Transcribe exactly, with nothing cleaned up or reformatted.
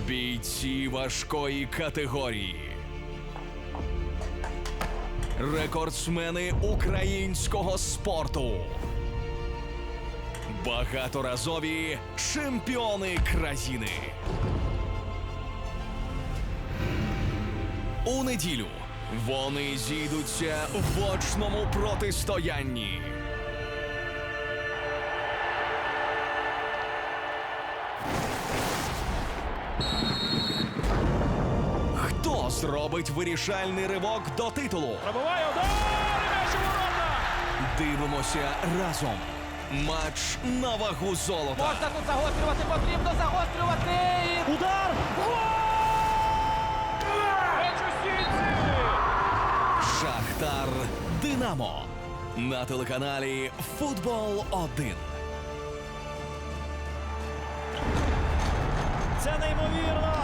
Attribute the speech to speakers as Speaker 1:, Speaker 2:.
Speaker 1: Бійці важкої категорії. Рекордсмени українського спорту. Багаторазові чемпіони країни. У неділю вони зійдуться в очному протистоянні. Хто зробить вирішальний ривок до титулу?
Speaker 2: Пробиває удар! І м'яч у ворота!
Speaker 1: Дивимося разом. Матч на вагу золота.
Speaker 3: Можна тут загострювати, потрібно загострювати!
Speaker 2: Удар! Гол! М'яч у сітці!
Speaker 1: Шахтар Динамо. На телеканалі Футбол один.
Speaker 2: Це неймовірно!